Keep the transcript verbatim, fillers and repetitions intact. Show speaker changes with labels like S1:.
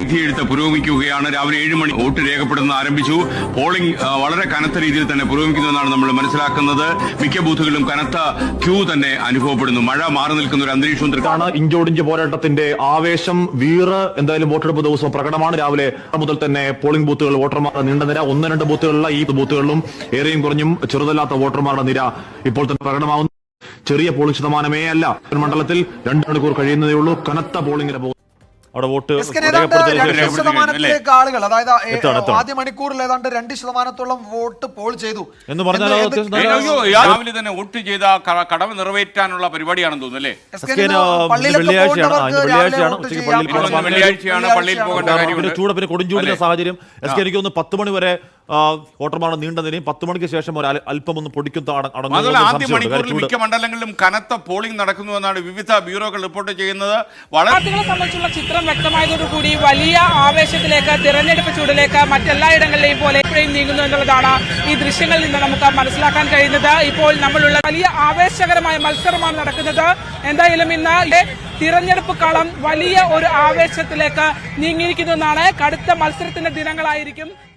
S1: വിധിയെഴുത്ത് പുരോഗമിക്കുകയാണ്. രാവിലെ ഏഴ് മണി വോട്ട് രേഖപ്പെടുത്തുന്ന ആരംഭിച്ചു. പോളിംഗ് വളരെ കനത്ത രീതിയിൽ തന്നെ പുരോഗമിക്കുന്നുവെന്നാണ് നമ്മൾ മനസ്സിലാക്കുന്നത്. മിക്ക ബൂത്തുകളിലും കനത്ത ക്യൂ തന്നെ അനുഭവപ്പെടുന്നു. മഴ മാറി നിൽക്കുന്ന ഒരു അന്തരീക്ഷവും
S2: ഇഞ്ചോടിഞ്ച് പോരാട്ടത്തിന്റെ ആവേശം വീറ് എന്തായാലും വോട്ടെടുപ്പ് ദിവസം പ്രകടമാണ്. രാവിലെ മുതൽ തന്നെ പോളിംഗ് ബൂത്തുകൾ വോട്ടർമാരുടെ നീണ്ട നിര, ഒന്ന് രണ്ട് ബൂത്തുകളിലുള്ള ഈ ബൂത്തുകളിലും ഏറെയും കുറഞ്ഞും ചെറുതല്ലാത്ത വോട്ടർമാരുടെ നിര ഇപ്പോൾ തന്നെ പ്രകടമാവുന്നു. ചെറിയ പോളിംഗ് ശതമാനമേ അല്ല. മണ്ഡലത്തിൽ രണ്ട് മണിക്കൂർ കഴിയുന്നതേ ഉള്ളൂ. കനത്ത പോളിംഗിന് പോകും.
S3: അവിടെ വോട്ട്
S4: ശതമാനത്തിലേക്ക് ആളുകൾ, അതായത് ആദ്യ മണിക്കൂറിൽ ഏതാണ്ട് രണ്ട് ശതമാനത്തോളം വോട്ട് പോൾ ചെയ്തു
S3: എന്ന് പറഞ്ഞാൽ
S1: രാവിലെ തന്നെ വോട്ട് ചെയ്ത കടമ നിറവേറ്റാനുള്ള പരിപാടിയാണെന്ന് തോന്നുന്നു അല്ലേ?
S3: വെള്ളിയാഴ്ചയാണ് പള്ളിയിൽ പോകേണ്ട കാര്യം. ചൂട് പിന്നെ കൊടുംചൂടിന്റെ സാഹചര്യം. എസ് കെ എനിക്ക് ഒന്ന് പത്ത് മണി വരെ വോട്ടർമാരുടെ നീണ്ട നിരയും പത്ത് മണിക്ക് ശേഷം ഒരു അല്പം ഒന്ന് പൊടിക്കും.
S1: ആദ്യ മണിക്കൂറിൽ മിക്ക മണ്ഡലങ്ങളിലും കനത്ത പോളിംഗ് നടക്കുന്നുവെന്നാണ് വിവിധ ബ്യൂറോകൾ റിപ്പോർട്ട് ചെയ്യുന്നത്.
S5: വളരെ സംബന്ധിച്ചുള്ള ചിത്രം വ്യക്തമായതോടുകൂടി വലിയ ആവേശത്തിലേക്ക്, തിരഞ്ഞെടുപ്പ് ചൂടിലേക്ക് മറ്റെല്ലായിടങ്ങളിലെയും പോലെ എപ്പോഴും നീങ്ങുന്നു എന്നുള്ളതാണ് ഈ ദൃശ്യങ്ങളിൽ നിന്ന് നമുക്ക് മനസ്സിലാക്കാൻ കഴിയുന്നത്. ഇപ്പോൾ നമ്മളുള്ള വലിയ ആവേശകരമായ മത്സരമാണ് നടക്കുന്നത്. എന്തായാലും ഇന്ന് തിരഞ്ഞെടുപ്പ് കളം വലിയ ഒരു ആവേശത്തിലേക്ക് നീങ്ങിയിരിക്കുന്നു എന്നാണ്. കടുത്ത മത്സരത്തിന്റെ ദിനങ്ങളായിരിക്കും.